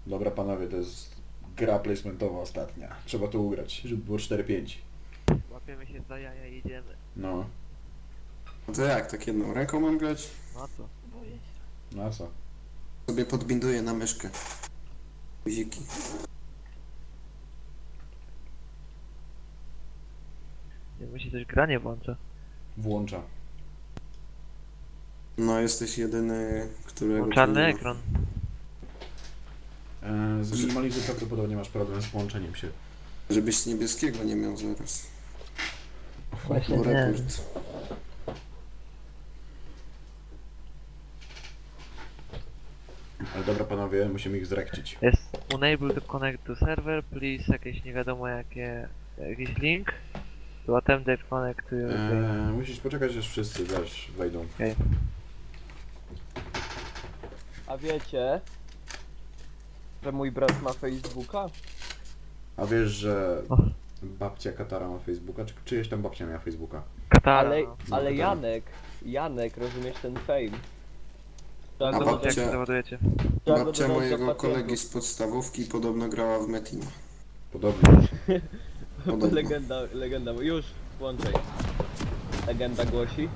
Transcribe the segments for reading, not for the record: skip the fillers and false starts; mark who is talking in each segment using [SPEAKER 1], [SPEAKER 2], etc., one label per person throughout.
[SPEAKER 1] Dobra panowie, to jest gra placementowa ostatnia. Trzeba to ugrać, żeby było 4-5.
[SPEAKER 2] Łapiemy się za jaja i idziemy.
[SPEAKER 1] No,
[SPEAKER 3] No to jak, tak jedną ręką mam grać?
[SPEAKER 2] No co? Boję się.
[SPEAKER 1] no a co?
[SPEAKER 3] Sobie podbinduję na myszkę. Guziki.
[SPEAKER 2] Nie musi coś granie włącza.
[SPEAKER 1] Włącza.
[SPEAKER 3] No jesteś jedyny, którego...
[SPEAKER 2] Mam czarny
[SPEAKER 3] tu nie ma.
[SPEAKER 2] ekran.
[SPEAKER 1] Z minimalizmu prawdopodobnie masz problem z włączeniem się.
[SPEAKER 3] Żebyś niebieskiego nie miał zaraz.
[SPEAKER 2] Właśnie
[SPEAKER 3] O,
[SPEAKER 2] nie.
[SPEAKER 3] rekord.
[SPEAKER 1] Ale dobra panowie, musimy ich zrekcić.
[SPEAKER 2] Jest unable to connect to server, please jakieś nie wiadomo jakiś link. To attempt to connect to your game.
[SPEAKER 1] Musisz poczekać, aż wszyscy, wiesz, wejdą.
[SPEAKER 2] Okej.
[SPEAKER 4] A wiecie, że mój brat ma Facebooka?
[SPEAKER 1] A wiesz, że
[SPEAKER 2] O.
[SPEAKER 1] babcia Katara ma Facebooka? Czy czyjeś tam babcia miała Facebooka?
[SPEAKER 2] Katara.
[SPEAKER 4] Ale,
[SPEAKER 2] No.
[SPEAKER 4] ale
[SPEAKER 1] Katara.
[SPEAKER 4] Janek, rozumiesz ten fame? Trzeba
[SPEAKER 3] A
[SPEAKER 4] go
[SPEAKER 2] Zobaczcie, jak
[SPEAKER 3] babcia-
[SPEAKER 2] się załadujecie.
[SPEAKER 4] trzeba go
[SPEAKER 3] Babcia
[SPEAKER 4] dodać do
[SPEAKER 3] mojego
[SPEAKER 4] pacjentów.
[SPEAKER 3] kolegi z podstawówki podobno grała w Metina.
[SPEAKER 1] Podobnie.
[SPEAKER 3] Podobno.
[SPEAKER 4] Legenda, już włączaj. Legenda głosi.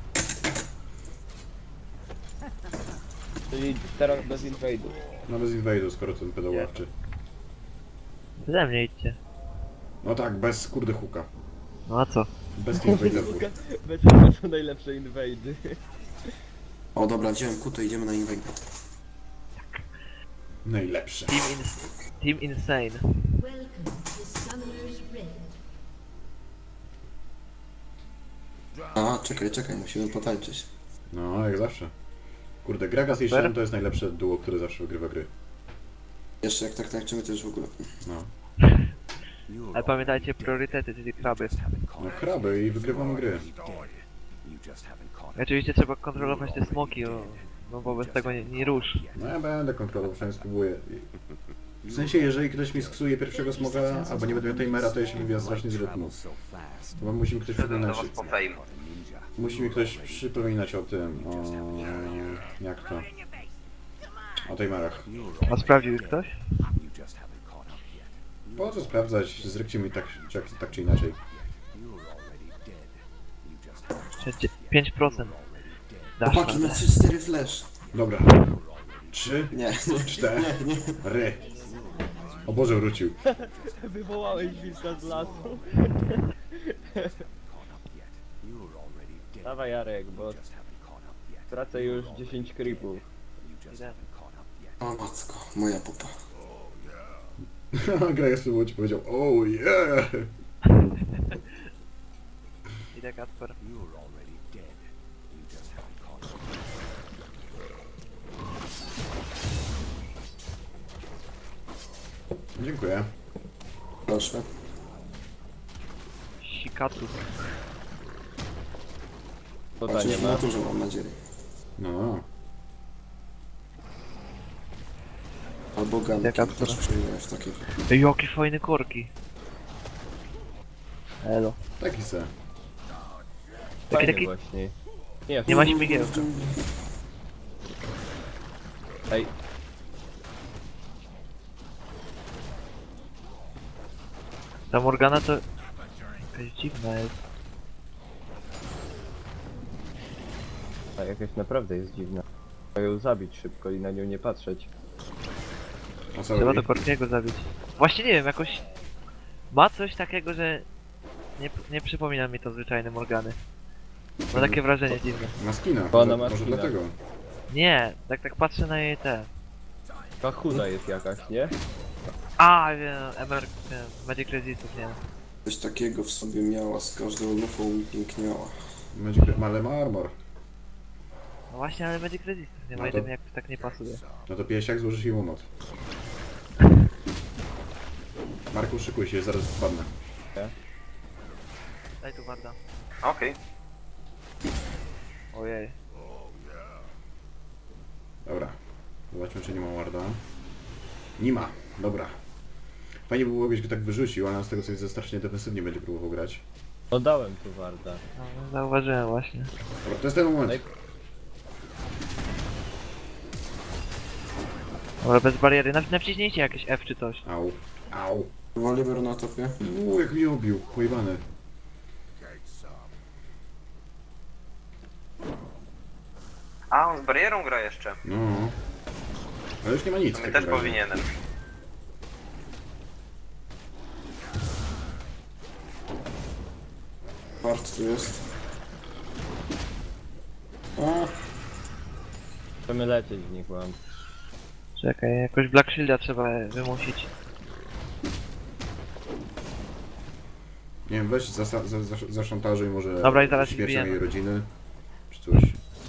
[SPEAKER 4] Czyli teraz bez invade'u.
[SPEAKER 1] No bez invade'u, skoro ten pedał ławczy.
[SPEAKER 2] Ze mnie idźcie.
[SPEAKER 1] No tak, bez kurde huka.
[SPEAKER 2] No a co?
[SPEAKER 1] Bez invade'u.
[SPEAKER 4] Bez tego są najlepsze invade'y.
[SPEAKER 3] O dobra, wziąłem kutę, idziemy na inwajdę.
[SPEAKER 1] Najlepsze.
[SPEAKER 2] Team Insane.
[SPEAKER 5] Welcome to Summoner's Rift.
[SPEAKER 3] A, czekaj, musimy potańczyć.
[SPEAKER 1] No, jak zawsze. Kurde, Gragas i Shen to jest najlepsze duo, które zawsze wygrywa gry.
[SPEAKER 3] Jeszcze jak tak tańczymy, to już w ogóle.
[SPEAKER 1] No.
[SPEAKER 2] Ale pamiętajcie priorytety, czyli kraby.
[SPEAKER 1] No kraby i wygrywamy gry.
[SPEAKER 2] I oczywiście trzeba kontrolować te smoki, bo bez tego nie rusz.
[SPEAKER 1] No ja będę kontrolował, przynajmniej spróbuję. W sensie, jeżeli ktoś mi sksuje pierwszego smoga, albo nie będę miał timera, to ja się wybija strasznie z rytmu. To musi mi ktoś przypominać. Musi mi ktoś przypominać o tym, o... jak to? O timerach.
[SPEAKER 2] A sprawdził ich ktoś?
[SPEAKER 1] Po co sprawdzać? Zrykcie mi tak czy inaczej.
[SPEAKER 2] 5%. Dasz
[SPEAKER 3] Chłopaki,
[SPEAKER 2] radę.
[SPEAKER 3] na 3-4 flash.
[SPEAKER 1] Dobra. 3,
[SPEAKER 3] Nie,
[SPEAKER 1] 4,
[SPEAKER 3] nie.
[SPEAKER 1] O Boże, wrócił.
[SPEAKER 4] Wywołałeś wilka z lasu. Dawaj Jarek, bo tracę już 10 creepów.
[SPEAKER 2] Idę.
[SPEAKER 3] O matko, moja pupa.
[SPEAKER 1] Gragas spróbował ci powiedział, oh yeah!
[SPEAKER 2] Idę Kacper.
[SPEAKER 1] Dziękuję.
[SPEAKER 3] Proszę.
[SPEAKER 2] Sikatu.
[SPEAKER 4] To
[SPEAKER 3] Patrzysz
[SPEAKER 4] nie
[SPEAKER 3] w
[SPEAKER 4] ma.
[SPEAKER 3] naturze, mam nadzieję.
[SPEAKER 1] No.
[SPEAKER 3] Albo ganki,
[SPEAKER 2] Jaka
[SPEAKER 3] też
[SPEAKER 2] która?
[SPEAKER 3] przyjmuję w takiej.
[SPEAKER 2] Ej, jakie fajne korki. Elo.
[SPEAKER 1] Taki se.
[SPEAKER 4] Fajny
[SPEAKER 2] taki-
[SPEAKER 4] właśnie.
[SPEAKER 2] Nie ma śmigiełka.
[SPEAKER 4] Ej,
[SPEAKER 2] Ta Morgana to... Jakaś dziwna jest.
[SPEAKER 4] ta jakaś naprawdę jest dziwna. Trzeba ją zabić szybko i na nią nie patrzeć.
[SPEAKER 1] A co
[SPEAKER 2] Trzeba
[SPEAKER 1] robi?
[SPEAKER 2] do Korkiego zabić. Właśnie nie wiem, jakoś... Ma coś takiego, że... Nie przypomina mi to zwyczajne Morgany. Ma takie wrażenie dziwne.
[SPEAKER 1] Ma skina,
[SPEAKER 4] Bo ona ma
[SPEAKER 1] może
[SPEAKER 4] skina.
[SPEAKER 1] dlatego.
[SPEAKER 2] Nie, tak patrzę na jej te...
[SPEAKER 4] Ta chuda jest jakaś, nie?
[SPEAKER 2] A, wiem, Magic Resistów, nie wiem.
[SPEAKER 3] Coś takiego w sobie miała, z każdą lufą piękniała.
[SPEAKER 1] Ale ma armor.
[SPEAKER 2] No właśnie, ale Magic Resistów nie ma
[SPEAKER 1] No
[SPEAKER 2] i
[SPEAKER 1] to-
[SPEAKER 2] to mi jakoś tak nie pasuje.
[SPEAKER 1] No to piesiak złożysz jej łomot. Marku, szykuj się, zaraz wpadnę.
[SPEAKER 2] Daj tu Warda.
[SPEAKER 6] Okej.
[SPEAKER 2] Ojej.
[SPEAKER 1] Dobra. Zobaczmy, czy nie ma warda. Nie ma. Dobra. Fajnie by było, jakbyś go tak wyrzucił, ale on z tego co widzę strasznie defensywnie będzie próbował grać.
[SPEAKER 4] Oddałem tu Warda.
[SPEAKER 2] No, zauważyłem właśnie.
[SPEAKER 1] Dobra, to jest ten moment.
[SPEAKER 4] Ej.
[SPEAKER 2] Dobra, bez bariery. Naciśnijcie jakieś F czy coś.
[SPEAKER 1] Au. Au.
[SPEAKER 3] Woliver na topie.
[SPEAKER 1] Jak mnie obił. Pojebany.
[SPEAKER 6] A, on z barierą gra jeszcze.
[SPEAKER 1] No. Ale już nie ma nic.
[SPEAKER 6] To
[SPEAKER 1] w
[SPEAKER 6] my
[SPEAKER 1] takim
[SPEAKER 6] też
[SPEAKER 1] razie.
[SPEAKER 6] powinienem.
[SPEAKER 3] Bart tu jest. A,
[SPEAKER 4] Chcemy lecieć w nich, mam.
[SPEAKER 2] Czekaj, jakoś Black Shielda trzeba wymusić.
[SPEAKER 1] Nie wiem, weź zaszantażuj może
[SPEAKER 2] Dobra, i zaraz ich
[SPEAKER 1] śmiercią
[SPEAKER 2] bijemy.
[SPEAKER 1] jej rodziny. Czy coś.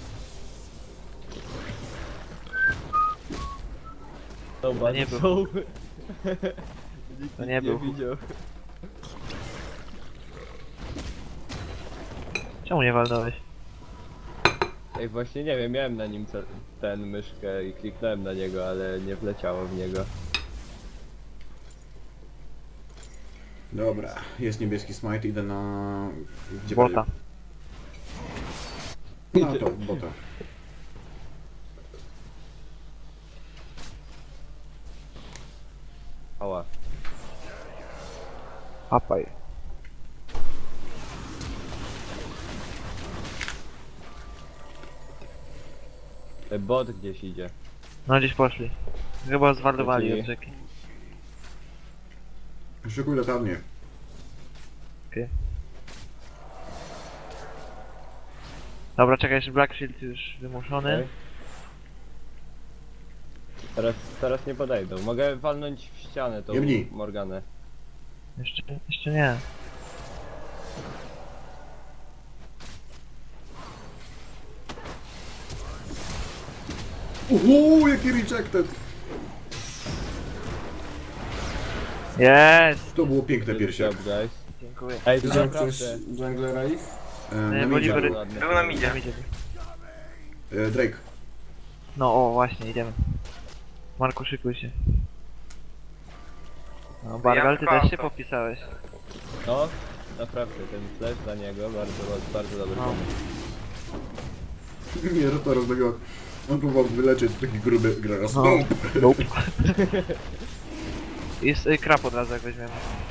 [SPEAKER 4] Dobra,
[SPEAKER 2] nie był.
[SPEAKER 4] są.
[SPEAKER 2] To nie był.
[SPEAKER 4] widział.
[SPEAKER 2] Czemu nie walnąłeś?
[SPEAKER 4] Ej, właśnie nie wiem, miałem na nim ten myszkę i kliknąłem na niego, ale nie wleciało w niego.
[SPEAKER 1] Dobra, jest niebieski smite, idę na... Gdzie
[SPEAKER 2] Bota.
[SPEAKER 1] No to, bota.
[SPEAKER 4] Ała.
[SPEAKER 2] Apaj.
[SPEAKER 4] Bot gdzieś idzie.
[SPEAKER 2] No gdzieś poszli. Chyba zwardowali
[SPEAKER 4] Dzięki.
[SPEAKER 2] od rzeki.
[SPEAKER 1] Szykuj latarnię.
[SPEAKER 2] Dobra, czekaj, jeszcze Black Shield już wymuszony.
[SPEAKER 4] Okej. Teraz nie podejdą. Mogę walnąć w ścianę tą
[SPEAKER 1] Jebnij.
[SPEAKER 4] Morganę.
[SPEAKER 2] Jeszcze nie.
[SPEAKER 1] Jaki rejected!
[SPEAKER 2] Jest!
[SPEAKER 1] To było piękne
[SPEAKER 4] Good
[SPEAKER 1] piersie.
[SPEAKER 4] job, guys.
[SPEAKER 2] Dziękuję.
[SPEAKER 4] Ej, to
[SPEAKER 3] widział ktoś
[SPEAKER 4] naprawdę.
[SPEAKER 3] junglera ich?
[SPEAKER 1] Na
[SPEAKER 2] Bolivar-
[SPEAKER 1] midzie.
[SPEAKER 4] Ładnie.
[SPEAKER 6] Był na midzie.
[SPEAKER 1] Drake.
[SPEAKER 2] No o, właśnie, idziemy. Marku, szykuj się. No, Bargal, ty
[SPEAKER 6] Ja
[SPEAKER 2] też się
[SPEAKER 6] to.
[SPEAKER 2] popisałeś.
[SPEAKER 4] No, naprawdę, ten flash dla niego bardzo dobry
[SPEAKER 2] No.
[SPEAKER 4] pomysł.
[SPEAKER 1] Nie, to rozmawiał. On próbował wyleczyć taki gruby graraz.
[SPEAKER 2] No. Nope. Jest krap od razu, jak weźmiemy.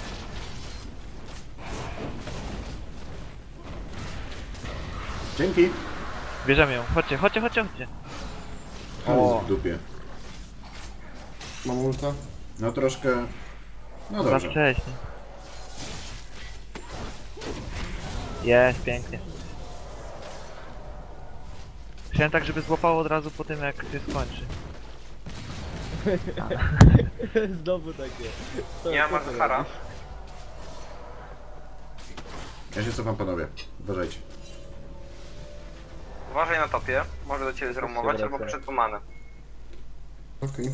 [SPEAKER 1] Dzięki.
[SPEAKER 2] Bierzemy ją. Chodźcie, chodźcie, chodźcie, chodźcie.
[SPEAKER 1] O, w dupie.
[SPEAKER 3] Mam ulta?
[SPEAKER 1] No troszkę... No
[SPEAKER 2] Za
[SPEAKER 1] dobrze.
[SPEAKER 2] wcześnie. Jest, pięknie. Chciałem tak, żeby złapało od razu po tym, jak się skończy.
[SPEAKER 4] Znowu takie. Co-
[SPEAKER 6] Nie ma
[SPEAKER 4] co ty
[SPEAKER 6] Zahara.
[SPEAKER 4] robisz?
[SPEAKER 1] Ja się cofam, panowie. Uważajcie.
[SPEAKER 6] Uważaj na topie. Może do ciebie zromować
[SPEAKER 4] wraca.
[SPEAKER 6] albo przed pomanę.
[SPEAKER 3] Okej.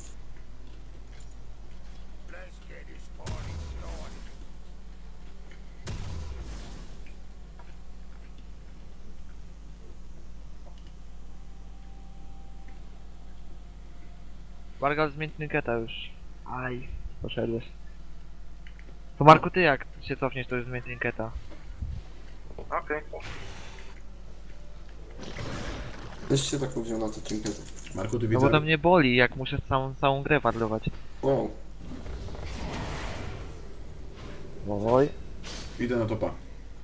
[SPEAKER 2] Bargal zmień Trinketa już. Aj, poszedłeś. To Marku, ty jak się cofniesz, to już zmień Trinketa.
[SPEAKER 6] Okej.
[SPEAKER 3] Też się tak wziął na te trinkety.
[SPEAKER 1] Marku, ty
[SPEAKER 2] No
[SPEAKER 1] widzę...
[SPEAKER 2] bo to mnie boli, jak muszę całą grę warlować.
[SPEAKER 3] Wow.
[SPEAKER 2] Oj.
[SPEAKER 1] Idę na topa.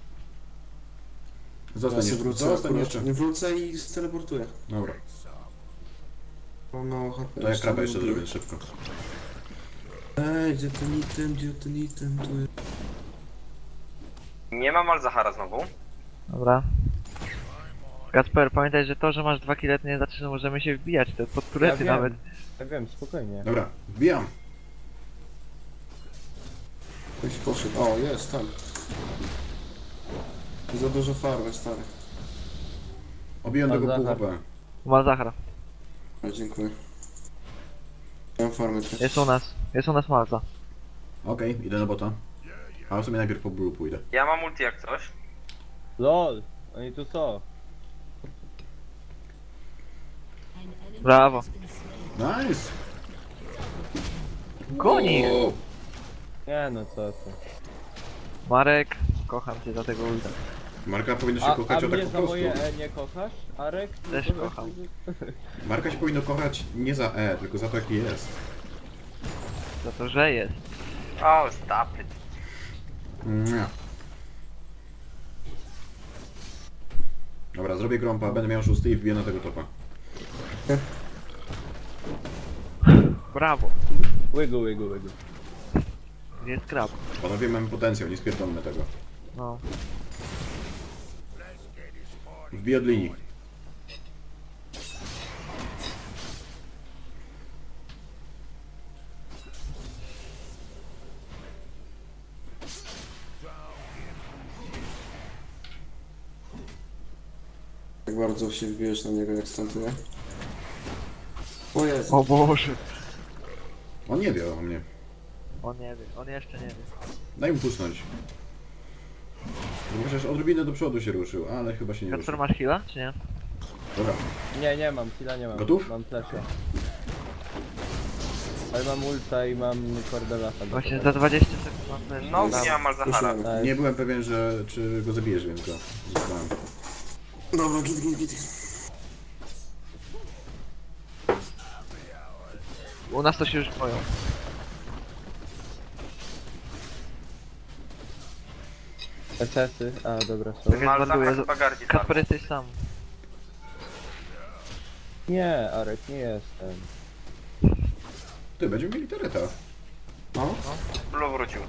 [SPEAKER 1] Zostań
[SPEAKER 3] Ja się
[SPEAKER 1] jeszcze.
[SPEAKER 3] wrócę
[SPEAKER 1] Zostań
[SPEAKER 3] akurat.
[SPEAKER 1] jeszcze.
[SPEAKER 3] Nie wrócę i steleportuję.
[SPEAKER 1] Dobra.
[SPEAKER 3] Mam mało HP.
[SPEAKER 1] To ja krapa jeszcze zrobię szybko.
[SPEAKER 3] Ej, gdzie ten item, gdzie ten item, tu jest.
[SPEAKER 6] Nie ma Malzahara znowu.
[SPEAKER 2] Dobra. Kasper, pamiętaj, że to, że masz 2 kile, to nie znaczy, że możemy się wbijać, to pod turety
[SPEAKER 4] wiem.
[SPEAKER 2] nawet.
[SPEAKER 4] Ja wiem, spokojnie.
[SPEAKER 1] Dobra, wbijam.
[SPEAKER 3] Ktoś poszedł. O, jest, tam. Za dużo farmy, stary.
[SPEAKER 1] Obiłem
[SPEAKER 4] Pan
[SPEAKER 1] tego pół
[SPEAKER 4] Zachar.
[SPEAKER 1] HP.
[SPEAKER 2] Ma Zahra.
[SPEAKER 3] O, dziękuję. Mam farmy też.
[SPEAKER 2] Jest u nas Malza.
[SPEAKER 1] Okej, idę na bota. A sobie najpierw po blue pójdę.
[SPEAKER 6] Ja mam ulti jak coś.
[SPEAKER 4] LOL! Oni tu są.
[SPEAKER 5] An enemy
[SPEAKER 2] Brawo.
[SPEAKER 5] has been slain.
[SPEAKER 1] Nice!
[SPEAKER 2] Goni!
[SPEAKER 1] O,
[SPEAKER 4] Nie no, co ty.
[SPEAKER 2] Marek, kocham cię za tego ulta.
[SPEAKER 1] Marka powinno się
[SPEAKER 4] A
[SPEAKER 1] kochać o tak
[SPEAKER 4] mnie
[SPEAKER 1] po
[SPEAKER 4] za
[SPEAKER 1] prostu.
[SPEAKER 4] moje E nie kochasz, Arek?
[SPEAKER 2] Też
[SPEAKER 4] Tylko
[SPEAKER 2] kocham.
[SPEAKER 1] Marka się powinno kochać nie za E, tylko za to jaki jest.
[SPEAKER 2] Za to, że jest.
[SPEAKER 6] O, stop it.
[SPEAKER 1] Nie. Dobra, zrobię grąpa, będę miał 6 i wbiję na tego topa.
[SPEAKER 2] Brawo.
[SPEAKER 4] Łygu, łygu, łygu.
[SPEAKER 2] Gdzie jest krab?
[SPEAKER 1] Panowie, mamy potencjał, nie spierdolmy tego.
[SPEAKER 2] No.
[SPEAKER 1] Wbiję od linii.
[SPEAKER 3] Tak bardzo się wbijesz na niego jak stąd, nie? O Jezu.
[SPEAKER 2] O Boże.
[SPEAKER 1] On nie wie o mnie.
[SPEAKER 2] On nie wie, on jeszcze nie wie.
[SPEAKER 1] Daj mu pusnąć. Bo chociaż odrobinę do przodu się ruszył, ale chyba się nie
[SPEAKER 2] Kacper,
[SPEAKER 1] ruszył.
[SPEAKER 2] masz heala, czy nie?
[SPEAKER 1] Dobra,
[SPEAKER 4] Nie, nie mam, chwila nie mam.
[SPEAKER 1] Gotów?
[SPEAKER 4] Mam flesza. Ale mam ulta i mam Cordelasa.
[SPEAKER 2] Właśnie za 20 sekund mam też.
[SPEAKER 6] No,
[SPEAKER 3] Dobra.
[SPEAKER 6] nie ma Malzahara.
[SPEAKER 3] Puszujemy.
[SPEAKER 1] nie byłem pewien, że czy go zabijesz, więc go zostałem.
[SPEAKER 3] Dobra, git.
[SPEAKER 2] U nas to się już boją.
[SPEAKER 4] SS-y, a dobra są.
[SPEAKER 2] Tak jak
[SPEAKER 6] Malzahar
[SPEAKER 2] zbanduję.
[SPEAKER 6] chyba gardzi
[SPEAKER 2] Kacper,
[SPEAKER 6] tam.
[SPEAKER 2] jesteś sam.
[SPEAKER 4] Nie, Arek, nie jestem.
[SPEAKER 1] Ty, będziemy mieli tureta.
[SPEAKER 3] No?
[SPEAKER 6] Blue wrócił.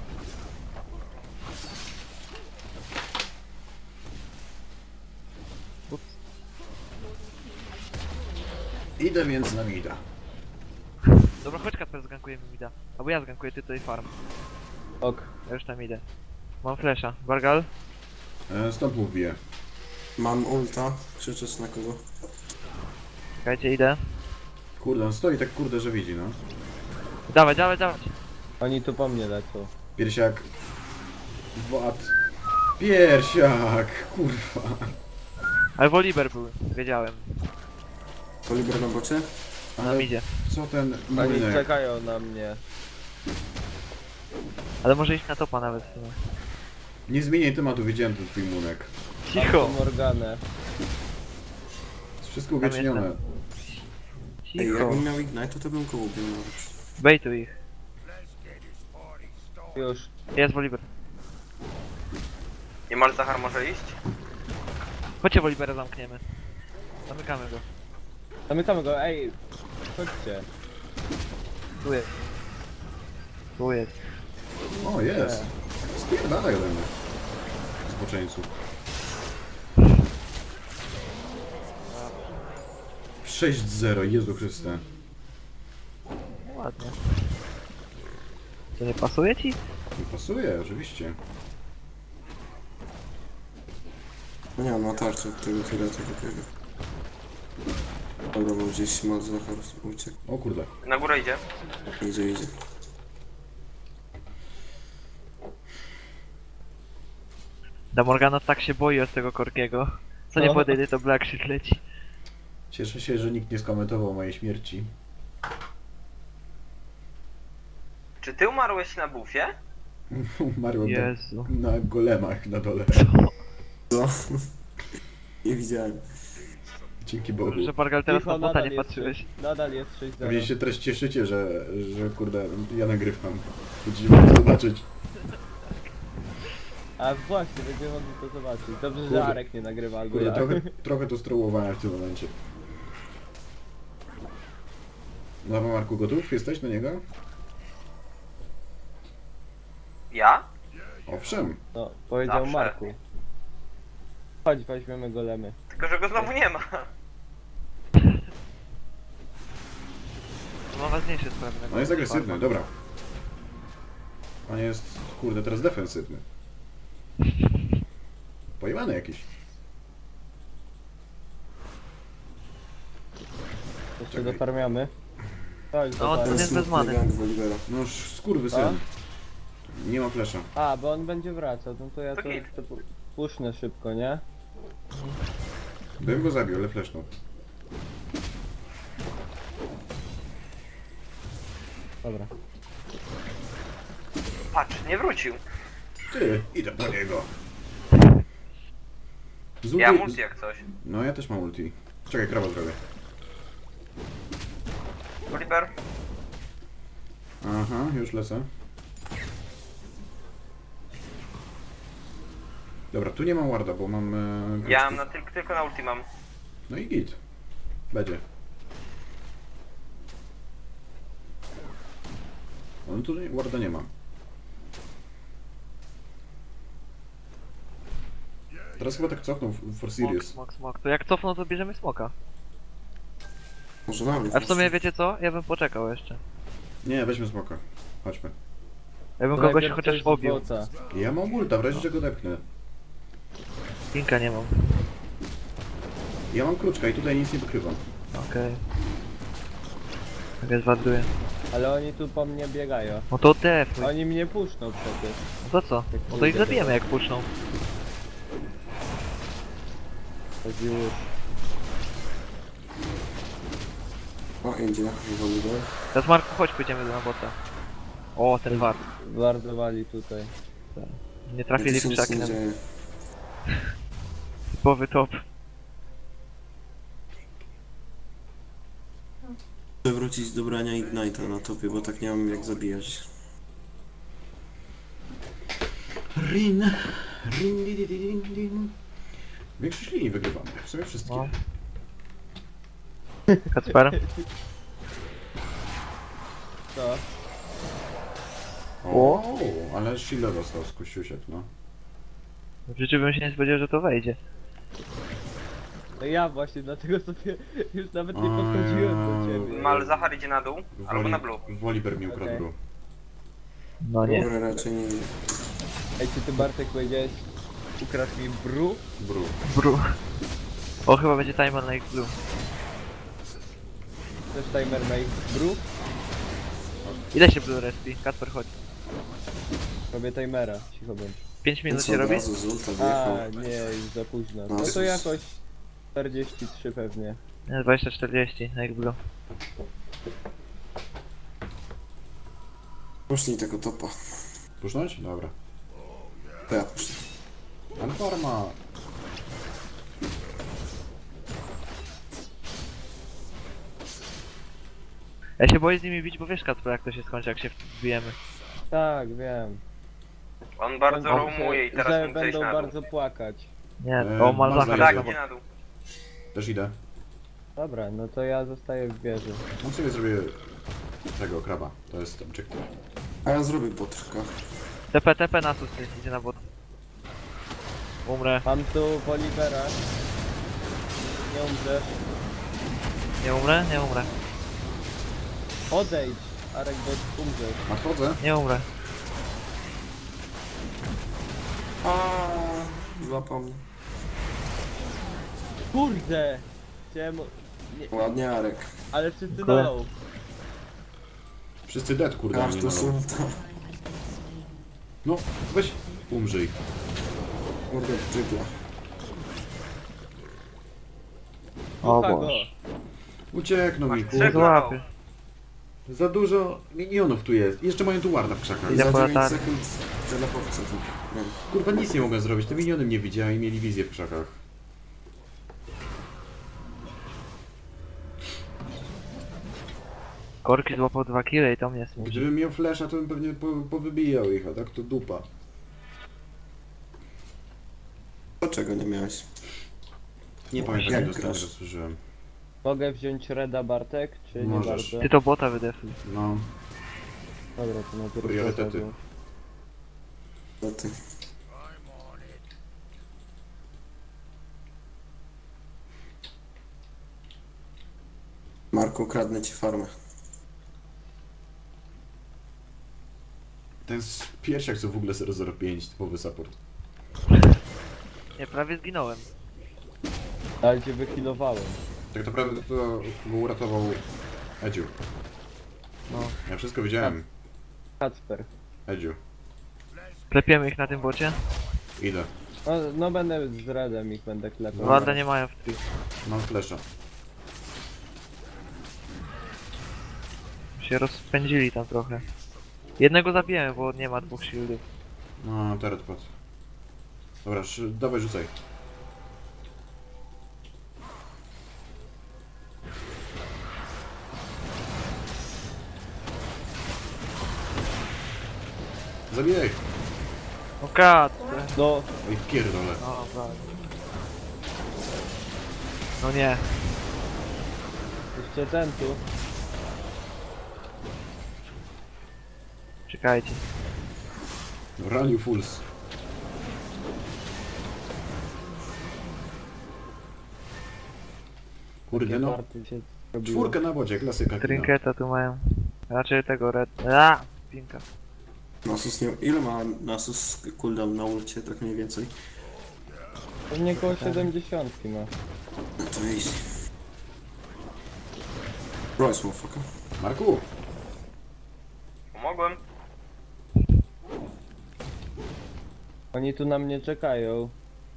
[SPEAKER 1] Idę więc na mida.
[SPEAKER 2] Dobra, chodź Kacper, zgankujemy mida. Albo ja zgankuję, ty tutaj farm.
[SPEAKER 4] Ok.
[SPEAKER 2] Ja już tam idę. Mam flesza. Bargal?
[SPEAKER 1] Stąd mu wbiję.
[SPEAKER 3] Mam ulta. Krzyczeć na kogo?
[SPEAKER 2] Czekajcie, idę.
[SPEAKER 1] Kurde, on stoi tak kurde, że widzi, no.
[SPEAKER 2] Dawaj, dawaj, dawaj.
[SPEAKER 4] Oni tu po mnie lecą.
[SPEAKER 1] Piersiak. Wad. Piersiak, kurwa.
[SPEAKER 2] Ale Woliber był, wiedziałem.
[SPEAKER 3] Oliver na bocie?
[SPEAKER 2] Na midzie.
[SPEAKER 1] Co ten
[SPEAKER 4] Oni
[SPEAKER 1] młynek?
[SPEAKER 4] czekają na mnie.
[SPEAKER 2] Ale może iść na topa nawet w sumie.
[SPEAKER 1] Nie zmieniaj tematu, widziałem ten twój munek.
[SPEAKER 4] Mam
[SPEAKER 2] Cicho!
[SPEAKER 4] tu Morganę.
[SPEAKER 1] Jest wszystko uwiecznione.
[SPEAKER 2] jestem.
[SPEAKER 3] Ej,
[SPEAKER 2] Cicho!
[SPEAKER 3] jakbym miał Ignite, to bym go ubił nawet.
[SPEAKER 2] Bejtuj ich.
[SPEAKER 4] Już.
[SPEAKER 2] Jest Woliber.
[SPEAKER 6] Nie Malzahar może iść?
[SPEAKER 2] Chodźcie Wolibera zamkniemy. Zamykamy go.
[SPEAKER 4] Zamykamy go, ej. Chodźcie.
[SPEAKER 2] Tu jest. Tu jest.
[SPEAKER 1] O, jest. Spierdalaj ode mnie. Zboczeńcu. 6-0, Jezu Chryste.
[SPEAKER 2] Ładnie. To nie pasuje ci?
[SPEAKER 1] Nie pasuje, oczywiście.
[SPEAKER 3] No nie, on ma tarczę od tego tureta takiego. Dobra, bo gdzieś Malzahar uciekł.
[SPEAKER 1] O kurde.
[SPEAKER 6] Na górę idzie.
[SPEAKER 3] Idzie.
[SPEAKER 2] Da Morgana tak się boi od tego Korkiego. Co nie
[SPEAKER 4] No.
[SPEAKER 2] podejdzie, to Black Shit leci.
[SPEAKER 1] Cieszę się, że nikt nie skomentował mojej śmierci.
[SPEAKER 6] Czy ty umarłeś na bufie?
[SPEAKER 1] Umarłem
[SPEAKER 2] Jezu.
[SPEAKER 1] na golemach na dole.
[SPEAKER 3] Co? Nie widziałem.
[SPEAKER 1] Dzięki Bogu.
[SPEAKER 2] Że Bargal teraz
[SPEAKER 4] Cicho,
[SPEAKER 2] na bota nie
[SPEAKER 4] jest
[SPEAKER 2] patrzyłeś.
[SPEAKER 4] Nadal jest 6-0.
[SPEAKER 1] Pewnie się teraz cieszycie, że kurde, ja nagrywam. Będziecie mogli zobaczyć.
[SPEAKER 4] A właśnie, będziemy mogli to zobaczyć. Dobrze,
[SPEAKER 1] Kurde.
[SPEAKER 4] że Arek nie nagrywa, albo
[SPEAKER 1] Kurde,
[SPEAKER 4] ja.
[SPEAKER 1] trochę to strołowałem w tym momencie. Nowa Marku, gotów? Jesteś na niego?
[SPEAKER 6] Ja?
[SPEAKER 1] Owszem.
[SPEAKER 4] No, powiedział
[SPEAKER 6] Zawsze.
[SPEAKER 4] Marku. Chodź, weźmiemy golemy.
[SPEAKER 6] Tylko, że go znowu nie ma.
[SPEAKER 2] To ma ważniejsze sprawy. na
[SPEAKER 1] On jest
[SPEAKER 2] końcu
[SPEAKER 1] agresywny,
[SPEAKER 2] farma.
[SPEAKER 1] dobra. On jest, kurde, teraz defensywny. Pojebany jakiś.
[SPEAKER 4] Jeszcze
[SPEAKER 1] Czekaj.
[SPEAKER 4] dofarmiamy. Chodź,
[SPEAKER 2] No,
[SPEAKER 4] zobacz.
[SPEAKER 2] to jest bez many.
[SPEAKER 3] Gang Wolibera.
[SPEAKER 1] No skurwysyn. Nie ma flesza.
[SPEAKER 4] A, bo on będzie wracał, no to ja
[SPEAKER 6] To
[SPEAKER 4] to,
[SPEAKER 6] git.
[SPEAKER 4] to pusznę szybko, nie?
[SPEAKER 1] Bym go zabił, ale flesznął.
[SPEAKER 4] Dobra.
[SPEAKER 6] Patrz, nie wrócił.
[SPEAKER 1] Ty, idę po niego. Z
[SPEAKER 6] Ja
[SPEAKER 1] ulti-
[SPEAKER 6] multi jak coś.
[SPEAKER 1] No ja też mam ulti. Czekaj, krawa zrobię.
[SPEAKER 6] Oliver?
[SPEAKER 1] Aha, już lecę. Dobra, tu nie mam warda, bo mam...
[SPEAKER 6] Ja
[SPEAKER 1] kruczki.
[SPEAKER 6] mam tylko na ulti mam.
[SPEAKER 1] No i git. Będzie. On tutaj warda nie ma. Teraz chyba tak cofnął for
[SPEAKER 2] Smok,
[SPEAKER 1] serious.
[SPEAKER 2] smok, smok. To jak cofną, to bierzemy smoka.
[SPEAKER 3] Może nawet.
[SPEAKER 2] A w sumie wiecie co? Ja bym poczekał jeszcze.
[SPEAKER 1] Nie, weźmy smoka. Chodźmy.
[SPEAKER 2] Ja bym
[SPEAKER 4] To
[SPEAKER 2] kogoś
[SPEAKER 4] najpierw
[SPEAKER 2] chociaż
[SPEAKER 4] coś z
[SPEAKER 2] obił.
[SPEAKER 4] boca.
[SPEAKER 1] Ja mam ulta, w razie czego depnę.
[SPEAKER 2] Pinka nie mam.
[SPEAKER 1] Ja mam kruczka i tutaj nic nie wykrywam.
[SPEAKER 2] Okej. Tak jest waduje.
[SPEAKER 4] Ale oni tu po mnie biegają.
[SPEAKER 2] No to defuj.
[SPEAKER 4] Oni mnie puszczą przecież.
[SPEAKER 2] No to co? No to ich zabijemy jak puszczą.
[SPEAKER 4] Chodzi już.
[SPEAKER 3] O, idzie. Oliver.
[SPEAKER 2] Teraz Marku, chodź, pójdziemy na bota. O, ten wart.
[SPEAKER 4] Wardowali tutaj.
[SPEAKER 2] Nie trafili
[SPEAKER 3] Tu
[SPEAKER 2] w
[SPEAKER 3] się nic
[SPEAKER 2] krzaki.
[SPEAKER 3] nie
[SPEAKER 2] na-
[SPEAKER 3] dzieje.
[SPEAKER 2] Typowy top.
[SPEAKER 3] Chcę wrócić do brania Ignite'a na topie, bo tak nie mam jak zabijać.
[SPEAKER 1] Rin. Rin, di, di, di, din, din. Większość linii wygrywamy. W sumie wszystkie.
[SPEAKER 2] No. Kacper?
[SPEAKER 4] Co?
[SPEAKER 1] O, ale shield dostał z kościusiek, no.
[SPEAKER 2] W życiu bym się nie spodziewał, że to wejdzie.
[SPEAKER 4] No ja właśnie, dlatego sobie już nawet nie podchodziłem do ciebie.
[SPEAKER 6] Malzahar idzie na dół, albo na blue.
[SPEAKER 1] Woliber mi ukradł
[SPEAKER 4] Okej.
[SPEAKER 1] blue.
[SPEAKER 2] No nie.
[SPEAKER 3] Dobra, raczej nie.
[SPEAKER 4] Ej, czy ty Bartek powiedziałeś, ukradł mi bru?
[SPEAKER 1] Bru.
[SPEAKER 2] Bru. O, chyba będzie timer na ich blue.
[SPEAKER 4] Też timer na ich bru?
[SPEAKER 2] Ile się blue respi? Kacper, chodź.
[SPEAKER 4] Robię timera, cicho bądź.
[SPEAKER 2] 5 minut
[SPEAKER 3] Co,
[SPEAKER 2] się
[SPEAKER 3] od
[SPEAKER 2] robi?
[SPEAKER 3] razu z ulta
[SPEAKER 4] A,
[SPEAKER 3] wjechał.
[SPEAKER 4] nie, już za późno.
[SPEAKER 3] No,
[SPEAKER 4] No to
[SPEAKER 3] Jezus.
[SPEAKER 4] jakoś 43 pewnie.
[SPEAKER 2] Nie, 20-40 na ich blue.
[SPEAKER 3] Pusznij tego topa.
[SPEAKER 1] Pusznąć? Dobra.
[SPEAKER 3] To ja puszczę.
[SPEAKER 1] Anforma.
[SPEAKER 2] Ja się boję z nimi bić, bo wiesz Kacper jak to się skończy, jak się wbijemy.
[SPEAKER 4] Tak, wiem.
[SPEAKER 6] On bardzo
[SPEAKER 2] On-
[SPEAKER 6] roamuje i
[SPEAKER 4] Że
[SPEAKER 6] teraz mógł zejść
[SPEAKER 4] będą
[SPEAKER 6] na dół.
[SPEAKER 4] bardzo płakać.
[SPEAKER 2] Nie,
[SPEAKER 1] Eee,
[SPEAKER 2] o
[SPEAKER 1] Malzahar
[SPEAKER 2] Malzahar
[SPEAKER 6] Tak,
[SPEAKER 2] jest
[SPEAKER 6] idzie
[SPEAKER 2] obok.
[SPEAKER 6] na dół.
[SPEAKER 1] Też idę.
[SPEAKER 4] Dobra, no to ja zostaję w wieży.
[SPEAKER 1] On sobie zrobię tego kraba. To jest objective.
[SPEAKER 3] A ja zrobię botrka.
[SPEAKER 2] TP na sus, idzie na bot. Umrę.
[SPEAKER 4] Mam tu Bolivera. Nie umrzesz.
[SPEAKER 2] Nie umrę? Nie umrę.
[SPEAKER 4] Odejdź, Arek, bo umrzesz.
[SPEAKER 1] Nadchodzę.
[SPEAKER 2] Nie umrę.
[SPEAKER 3] Złapał mnie.
[SPEAKER 4] Kurde! Chciałem... Nie,
[SPEAKER 3] Ładnie, Arek.
[SPEAKER 4] ale wszyscy
[SPEAKER 2] Dziękuję.
[SPEAKER 4] dolą.
[SPEAKER 1] Wszyscy dead, kurde,
[SPEAKER 3] Aż
[SPEAKER 1] mnie
[SPEAKER 3] to
[SPEAKER 1] na low.
[SPEAKER 3] sulta.
[SPEAKER 1] No, weź, umrzyj.
[SPEAKER 3] Kurde, dżigla.
[SPEAKER 2] O
[SPEAKER 4] Słucha
[SPEAKER 2] Boże.
[SPEAKER 1] Ucieknął mi,
[SPEAKER 6] Masz
[SPEAKER 1] kurde.
[SPEAKER 6] trzech na low.
[SPEAKER 2] Złapię.
[SPEAKER 1] Za dużo minionów tu jest. Jeszcze mają tu warda w krzakach.
[SPEAKER 2] Idę
[SPEAKER 3] Za
[SPEAKER 2] po
[SPEAKER 3] 9
[SPEAKER 2] latarnię.
[SPEAKER 3] sekund telepowca tu. Nie.
[SPEAKER 1] Kurwa, nic nie mogłem zrobić. Te miniony mnie widziały i mieli wizję w krzakach.
[SPEAKER 2] Korki złapał 2 kile i to mnie smuci.
[SPEAKER 1] Gdybym miał flasha, to bym pewnie powybijał ich, a tak to dupa.
[SPEAKER 3] Dlaczego nie miałeś?
[SPEAKER 1] Nie pamiętam,
[SPEAKER 3] jak
[SPEAKER 1] jak ostatnio
[SPEAKER 3] grasz?
[SPEAKER 1] raz słyszałem.
[SPEAKER 4] Mogę wziąć Reda Bartek, czy nie
[SPEAKER 1] Możesz.
[SPEAKER 4] bardzo?
[SPEAKER 2] Ty to bota wydefuj.
[SPEAKER 1] No,
[SPEAKER 4] Dobra, to najpierw
[SPEAKER 1] Priorytety.
[SPEAKER 4] Reda,
[SPEAKER 3] No ty. Marku, kradnę ci farmę.
[SPEAKER 1] ten piersiak co w ogóle 005, typowy support.
[SPEAKER 2] Nie, prawie zginąłem.
[SPEAKER 4] bo- Ale cię wychilowałem.
[SPEAKER 1] Tak naprawdę to go uratował Edziu.
[SPEAKER 2] No.
[SPEAKER 1] Ja wszystko widziałem.
[SPEAKER 4] Kacper.
[SPEAKER 1] Edziu.
[SPEAKER 2] Klepiemy ich na tym bocie.
[SPEAKER 1] Idę.
[SPEAKER 4] No będę z Redem ich będę klepał.
[SPEAKER 2] Warda nie mają w tri.
[SPEAKER 1] Mam flasha.
[SPEAKER 2] Się rozpędzili tam trochę. Jednego zabiłem, bo nie ma 2 shieldów.
[SPEAKER 1] No, teret padł. Dobra, dawaj rzucaj. Zabijaj!
[SPEAKER 2] O kat!
[SPEAKER 4] No,
[SPEAKER 1] Oj, pierdolę.
[SPEAKER 2] O, tak. No nie.
[SPEAKER 4] jeszcze ten tu.
[SPEAKER 2] Czekajcie.
[SPEAKER 1] Rally Fools. Kurde no.
[SPEAKER 4] Party się robiło.
[SPEAKER 1] Czwórkę na wodzie, klasyka kina.
[SPEAKER 2] Trinketa tu mają. Raczej tego red... A! Pinka.
[SPEAKER 3] Nasus nie... Ile ma Nasus cooldown na ulcie, tak mniej więcej?
[SPEAKER 4] Pewnie koło 70 ma.
[SPEAKER 3] No to easy. Royce, motherfucker.
[SPEAKER 1] Marku!
[SPEAKER 6] Pomogłem.
[SPEAKER 4] Oni tu na mnie czekają.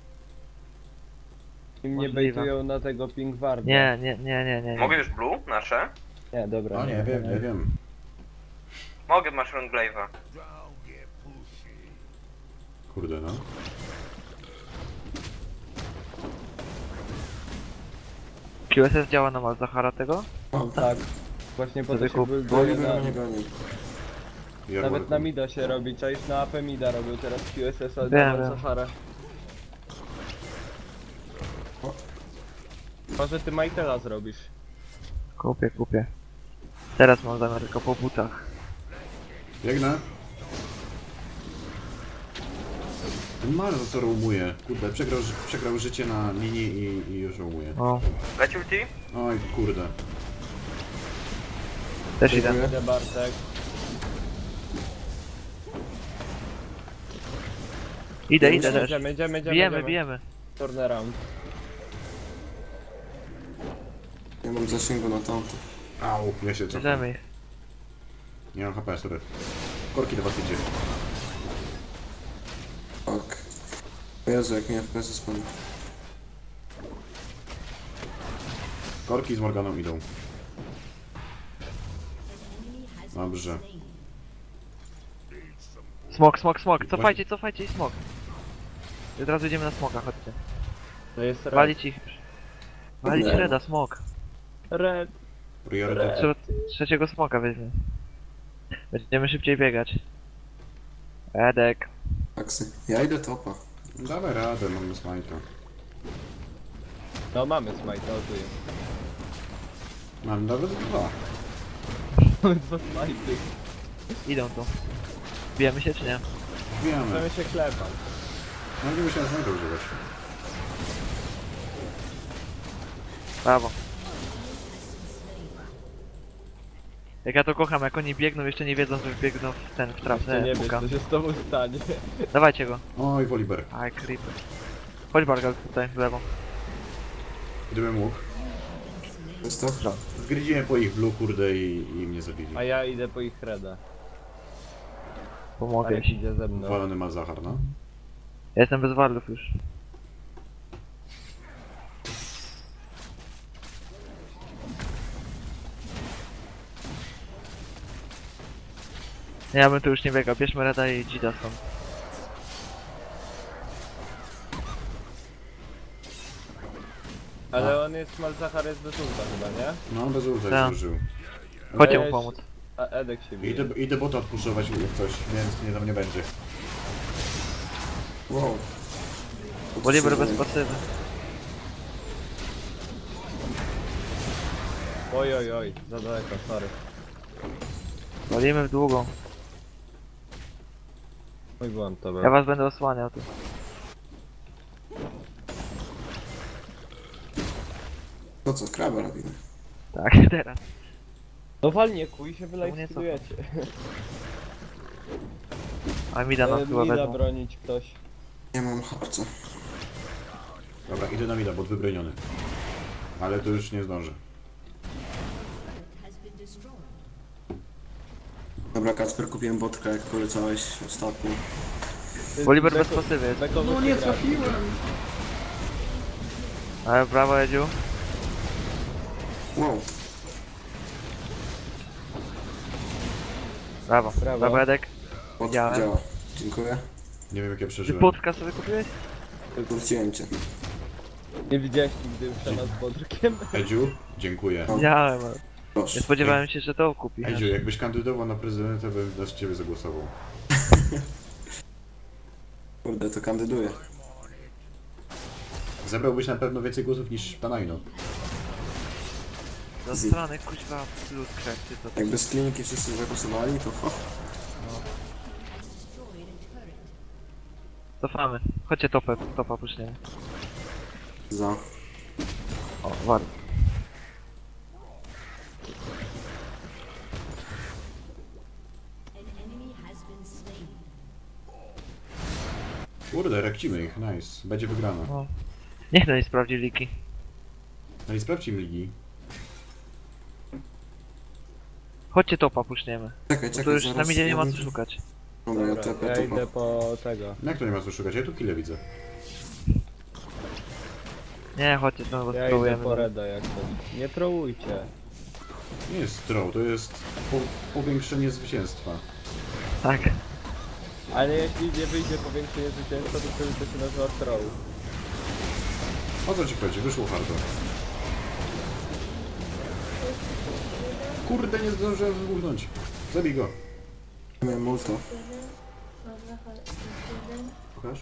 [SPEAKER 4] I mnie
[SPEAKER 2] Możliwe.
[SPEAKER 4] bejtują na tego Pinkwarda.
[SPEAKER 2] Nie.
[SPEAKER 6] Mogę już blue? Nasze?
[SPEAKER 4] Nie, dobra.
[SPEAKER 1] No nie wiem, nie wiem.
[SPEAKER 6] Mogę, masz Runglave'a.
[SPEAKER 1] Kurde no.
[SPEAKER 2] QSS działa na Malzahara tego?
[SPEAKER 3] O,
[SPEAKER 4] Tak. Właśnie po to
[SPEAKER 2] Wtedy
[SPEAKER 4] się
[SPEAKER 2] kup.
[SPEAKER 4] builduje
[SPEAKER 3] Oliver
[SPEAKER 4] na...
[SPEAKER 3] mnie goni.
[SPEAKER 4] Nawet na mida się robi, czaisz na AP mida robił teraz QSS, ale
[SPEAKER 2] Wiem,
[SPEAKER 4] na
[SPEAKER 2] wiem.
[SPEAKER 4] Sahara. Może ty Michaela zrobisz.
[SPEAKER 2] Kupię. Teraz mam zamiar tylko po butach.
[SPEAKER 1] Biegnę. Ten Marzo co roamuje. Kurde, przegrał życie na linii i już roamuje.
[SPEAKER 2] O,
[SPEAKER 6] Leci ulti?
[SPEAKER 1] Oj, kurde.
[SPEAKER 2] też idę.
[SPEAKER 3] Dziękuję.
[SPEAKER 4] Idę Bartek.
[SPEAKER 2] Idę też.
[SPEAKER 4] Idziemy.
[SPEAKER 2] Bijemy.
[SPEAKER 4] Turnaround.
[SPEAKER 3] Nie mam zasięgu na tamto.
[SPEAKER 1] Au, ja się cofam.
[SPEAKER 2] Bierzemy ich.
[SPEAKER 1] Nie mam HP, sorry. Korki do was idzie.
[SPEAKER 3] Tak. O Jezu, jak mnie FPS spadł.
[SPEAKER 1] Korki z Morganą idą. Dobrze.
[SPEAKER 2] Smok. Cofajcie i smok. I od razu idziemy na smoka, chodźcie.
[SPEAKER 4] To jest red.
[SPEAKER 2] Walić ich. Walić reda, smok.
[SPEAKER 4] Red.
[SPEAKER 1] Priorytet.
[SPEAKER 2] Trzeba trzeciego smoka weźmie. Będziemy szybciej biegać. Edek.
[SPEAKER 3] Taksy. Ja idę topa.
[SPEAKER 1] Dawaj radę, mamy smajta.
[SPEAKER 4] No mamy smite, o tu jest.
[SPEAKER 1] Mam nawet dwa.
[SPEAKER 4] Mamy dwa smajty.
[SPEAKER 2] Idą tu. Bijemy się czy nie?
[SPEAKER 1] Wiemy.
[SPEAKER 4] Możemy się klepać.
[SPEAKER 1] No nie musiałem smajta używać.
[SPEAKER 2] Brawo. Jak ja to kocham, jak oni biegną, jeszcze nie wiedzą, że biegną w ten, w
[SPEAKER 4] Ty
[SPEAKER 2] trasę
[SPEAKER 4] nie wiesz,
[SPEAKER 2] puka.
[SPEAKER 4] co się z tobą stanie.
[SPEAKER 2] Dawajcie go.
[SPEAKER 1] Oj, Woliber.
[SPEAKER 2] Aj, creeper. Chodź Bargal tutaj, w lewo.
[SPEAKER 1] Gdybym mógł.
[SPEAKER 3] Jest to?
[SPEAKER 1] Zgryziłem po ich blue, kurde, i mnie zabili.
[SPEAKER 4] A ja idę po ich reda.
[SPEAKER 2] Pomogę
[SPEAKER 4] Arek
[SPEAKER 2] ci.
[SPEAKER 4] idzie ze mną.
[SPEAKER 1] Walony Malzahar, no.
[SPEAKER 2] Ja jestem bez wardów już. Ja bym tu już nie biegał, bierzmy Reda i Dzida stąd.
[SPEAKER 4] Ale on jest Malzahar jest bez ulta chyba, nie?
[SPEAKER 1] No, bez ulta
[SPEAKER 2] Tak.
[SPEAKER 1] już użył.
[SPEAKER 2] Chodźcie mu
[SPEAKER 4] Weź.
[SPEAKER 2] pomóc.
[SPEAKER 4] A Edek się bije.
[SPEAKER 1] Idę bota odpuszować jak coś, więc nie tam nie będzie.
[SPEAKER 3] Wow.
[SPEAKER 2] Bolivar bez pasywy.
[SPEAKER 4] Oj, za daleko, sorry.
[SPEAKER 2] Walimy w długą.
[SPEAKER 4] Mój błąd to był.
[SPEAKER 2] Ja was będę osłaniał tu.
[SPEAKER 3] To co, kraba robimy?
[SPEAKER 2] Tak, teraz.
[SPEAKER 4] No walnie kuj się
[SPEAKER 2] Czemu nie
[SPEAKER 4] wylajstudujecie.
[SPEAKER 2] A mida nas chyba
[SPEAKER 4] Mida
[SPEAKER 2] wezmą.
[SPEAKER 4] bronić ktoś.
[SPEAKER 3] Nie mam harca.
[SPEAKER 1] Dobra, idę na mida, bot wybroniony. Ale to już nie zdążę.
[SPEAKER 5] has been destroyed.
[SPEAKER 3] Dobra, Kacper, kupiłem botka, jak polecałeś ostatnio.
[SPEAKER 2] Bolivar bez pasywy jest.
[SPEAKER 4] No nie trafiłem.
[SPEAKER 2] Ale brawo Edziu.
[SPEAKER 3] Wow.
[SPEAKER 2] Brawo.
[SPEAKER 4] Brawo.
[SPEAKER 2] Brawo Edek.
[SPEAKER 3] Bot
[SPEAKER 2] Widziałem.
[SPEAKER 3] działa. Dziękuję.
[SPEAKER 1] Nie wiem jak ja
[SPEAKER 2] Ty
[SPEAKER 1] przeżyłem.
[SPEAKER 2] płotka sobie kupiłeś?
[SPEAKER 3] Wróciłem cię.
[SPEAKER 4] Nie widziałeś nigdy przenad podrkiem?
[SPEAKER 1] Edziu, dziękuję.
[SPEAKER 2] Widziałem, ale
[SPEAKER 3] Proszę.
[SPEAKER 2] nie spodziewałem się, że to kupi.
[SPEAKER 1] Edziu, jakbyś kandydował na prezydenta, bym dla ciebie zagłosował.
[SPEAKER 3] Kurde, to kandyduje.
[SPEAKER 1] Zebrałbyś na pewno więcej głosów niż Tanajno.
[SPEAKER 2] Za strony kuźwa plus krekty to
[SPEAKER 3] Jakby z kliniki wszyscy zagłosowali, to ho.
[SPEAKER 5] Destroyed a turret.
[SPEAKER 2] cofamy. Chodźcie topa puszniemy.
[SPEAKER 3] Za.
[SPEAKER 2] O, warto.
[SPEAKER 5] An enemy has been slain.
[SPEAKER 1] Kurde, rekcimy ich, nice. Będzie wygrana.
[SPEAKER 2] No. Niech no nie sprawdzi liki.
[SPEAKER 1] No i sprawdźmy ligi.
[SPEAKER 2] Chodźcie topa puszniemy.
[SPEAKER 3] Czekaj,
[SPEAKER 2] Bo
[SPEAKER 3] czekaj,
[SPEAKER 2] to już
[SPEAKER 3] zaraz.
[SPEAKER 2] na midzie nie ma co
[SPEAKER 3] Dobra,
[SPEAKER 2] szukać.
[SPEAKER 3] Dobra, ja
[SPEAKER 4] Dobra,
[SPEAKER 3] tepę
[SPEAKER 4] ja
[SPEAKER 3] to
[SPEAKER 4] idę po tego.
[SPEAKER 1] No jak to nie ma co szukać? Ja tu kile widzę.
[SPEAKER 2] Nie, chodźcie to bo
[SPEAKER 4] Ja idę
[SPEAKER 2] spróbujemy.
[SPEAKER 4] po Reda jak to. Nie trołujcie.
[SPEAKER 1] Nie jest throw, to jest powiększenie zwycięstwa.
[SPEAKER 2] Tak.
[SPEAKER 4] Ale jeśli nie wyjdzie powiększenie zwycięstwa, to wtedy to się nazywa troll.
[SPEAKER 1] O co ci chodzi? Wyszło hardo. Kurde, nie zdążyłem wybuchnąć. Zabij go.
[SPEAKER 3] Miałem multo.
[SPEAKER 1] Pokaż?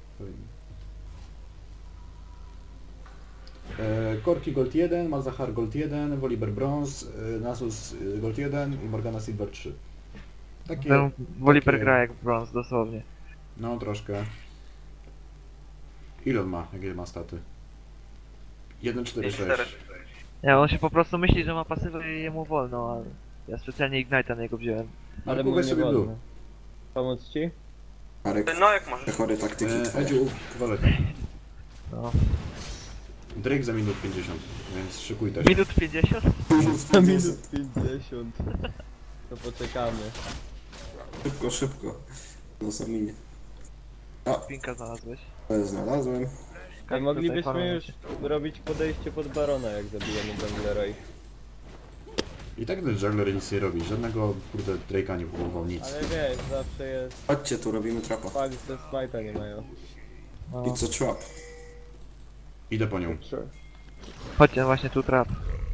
[SPEAKER 1] Korki Gold 1, Malzahar Gold 1, Volibear Bronze, Nasus Gold 1 i Morgana Silver 3. Takie...
[SPEAKER 2] Ten Volibear
[SPEAKER 1] takie-
[SPEAKER 2] gra jak brąz, dosłownie.
[SPEAKER 1] No, troszkę. Ile on ma? Jakie ma staty? 1, 4, 6.
[SPEAKER 6] 4.
[SPEAKER 2] Nie, on się po prostu myśli, że ma pasywę i jemu wolno, ale ja specjalnie Ignite'a na niego wziąłem.
[SPEAKER 4] Ale mu
[SPEAKER 1] Weź
[SPEAKER 4] nie
[SPEAKER 1] sobie
[SPEAKER 4] wolno.
[SPEAKER 1] blue.
[SPEAKER 4] Pomóc ci?
[SPEAKER 3] Arek,
[SPEAKER 6] No jak możesz.
[SPEAKER 3] te chore taktyki twoje.
[SPEAKER 1] Edziu, waleta.
[SPEAKER 2] No.
[SPEAKER 1] Drake za minut 50, więc szykuj też.
[SPEAKER 2] Minut 50?
[SPEAKER 4] Na minut 50. To poczekamy.
[SPEAKER 3] Szybko, szybko. No saminie.
[SPEAKER 2] Pinka znalazłeś.
[SPEAKER 3] To znalazłem.
[SPEAKER 4] A moglibyśmy
[SPEAKER 2] Tutaj
[SPEAKER 4] już robić podejście pod barona, jak zabijemy junglera i...
[SPEAKER 1] I tak ten juggler nic nie robi, żadnego kurde Drake'a nie próbował, nic.
[SPEAKER 4] Ale wiesz, zawsze jest
[SPEAKER 3] Chodźcie tu, robimy trapa.
[SPEAKER 4] fakt, że smite'a nie mają.
[SPEAKER 2] No.
[SPEAKER 3] It's a trap.
[SPEAKER 1] Idę po nią.
[SPEAKER 2] Chodźcie, właśnie tu trap.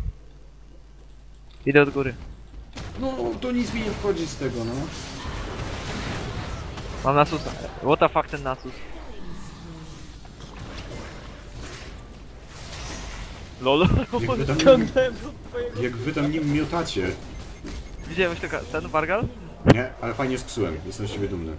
[SPEAKER 2] Idę od góry.
[SPEAKER 1] No, to nic mi nie wchodzi z tego, no.
[SPEAKER 2] Mam Nasusa. What the fuck ten Nasus? LOL.
[SPEAKER 1] Jak wy tam,
[SPEAKER 4] Ciągnąłem do twojego...
[SPEAKER 1] jak wy tam nim miotacie.
[SPEAKER 2] Widziałeś tego, ten Vargal?
[SPEAKER 1] Nie, ale fajnie sksułem, jestem z ciebie dumny.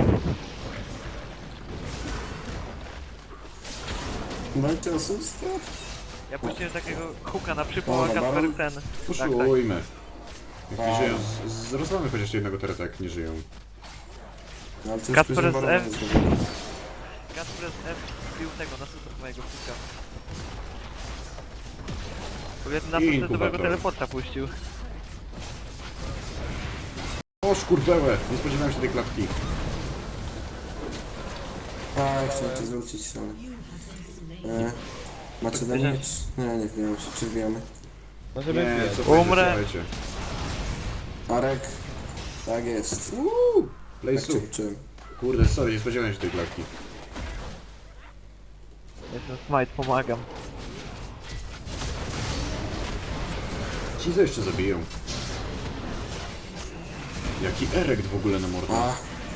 [SPEAKER 3] Macie oszustwo?
[SPEAKER 2] Ja puściłem takiego hooka na przypał, a
[SPEAKER 3] Dobra,
[SPEAKER 2] Kasper
[SPEAKER 3] baron.
[SPEAKER 2] ten. Tak,
[SPEAKER 1] Poszujmy. Jak nie żyją, rozwalamy chociaż jednego tereta, jak nie żyją.
[SPEAKER 3] No, ale to już
[SPEAKER 2] Kacper
[SPEAKER 3] później
[SPEAKER 2] z
[SPEAKER 3] balona
[SPEAKER 2] F.
[SPEAKER 3] zrobimy.
[SPEAKER 2] Kasper z F wbił tego Nasusa mojego hooka. Powiedz Nasus
[SPEAKER 1] Inkubator.
[SPEAKER 2] dobrego teleporta puścił.
[SPEAKER 1] O szkurwełe, nie spodziewałem się tej klatki.
[SPEAKER 3] A, chciałem cię zwrócić, ale... Macie na mnie? Nie, nie wbijamy się. Czy wbijamy?
[SPEAKER 4] Możemy
[SPEAKER 1] Nie,
[SPEAKER 4] wbijać.
[SPEAKER 1] co powiedzieć,
[SPEAKER 2] Umrę.
[SPEAKER 1] słuchajcie.
[SPEAKER 3] Arek. Tak jest.
[SPEAKER 1] Play
[SPEAKER 3] Tak cię
[SPEAKER 1] soup.
[SPEAKER 3] uczyłem.
[SPEAKER 1] Kurde, sorry, nie spodziewałem się tej klatki.
[SPEAKER 2] Jestem Smite, pomagam.
[SPEAKER 1] Ci co jeszcze zabiją. Jaki erekt w ogóle na mordę.
[SPEAKER 3] A,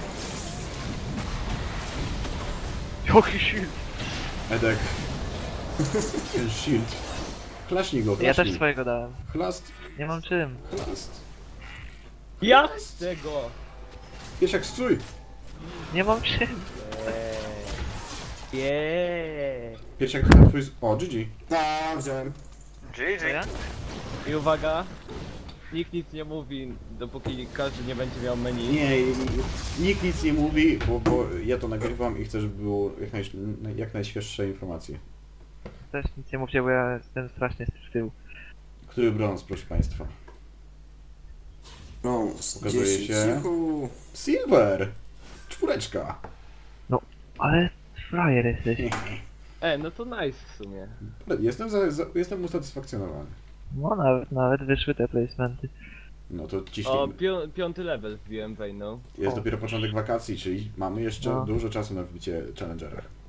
[SPEAKER 2] Jaki shield!
[SPEAKER 1] Edek. Ten shield. Klaśnij go,
[SPEAKER 2] Ja
[SPEAKER 1] klaśnij.
[SPEAKER 2] też swojego dałem.
[SPEAKER 1] Chlast,
[SPEAKER 2] Nie mam czym.
[SPEAKER 1] chlast.
[SPEAKER 4] Ja chcę go!
[SPEAKER 1] Piesiak, stój!
[SPEAKER 2] Nie mam czym.
[SPEAKER 4] Jeee.
[SPEAKER 1] Piesiak, twój... O, GG.
[SPEAKER 3] a, wziąłem.
[SPEAKER 2] To
[SPEAKER 6] GG.
[SPEAKER 2] ja?
[SPEAKER 4] I uwaga, nikt nic nie mówi, dopóki każdy nie będzie miał menu.
[SPEAKER 1] Nie, nikt nic nie mówi, bo ja to nagrywam i chcę, żeby było jak najświeższe informacje.
[SPEAKER 2] Też nic nie mówcie, bo ja jestem strasznie z tyłu.
[SPEAKER 1] Który brąz, proszę państwa?
[SPEAKER 3] Brąz.
[SPEAKER 1] Pokazuje
[SPEAKER 3] 10.
[SPEAKER 1] się.
[SPEAKER 3] Juhu.
[SPEAKER 1] Silver! Czwóreczka!
[SPEAKER 2] Ale frajer jesteś.
[SPEAKER 4] No to nice w sumie.
[SPEAKER 1] Jestem usatysfakcjonowany.
[SPEAKER 2] No nawet wyszły te placementy.
[SPEAKER 1] No to
[SPEAKER 4] O,
[SPEAKER 1] ciśnijmy.
[SPEAKER 4] 5. level wbiłem Wejną.
[SPEAKER 1] Jest
[SPEAKER 2] o.
[SPEAKER 1] dopiero początek wakacji, czyli mamy jeszcze
[SPEAKER 2] No.
[SPEAKER 1] dużo czasu na wbicie Challengera.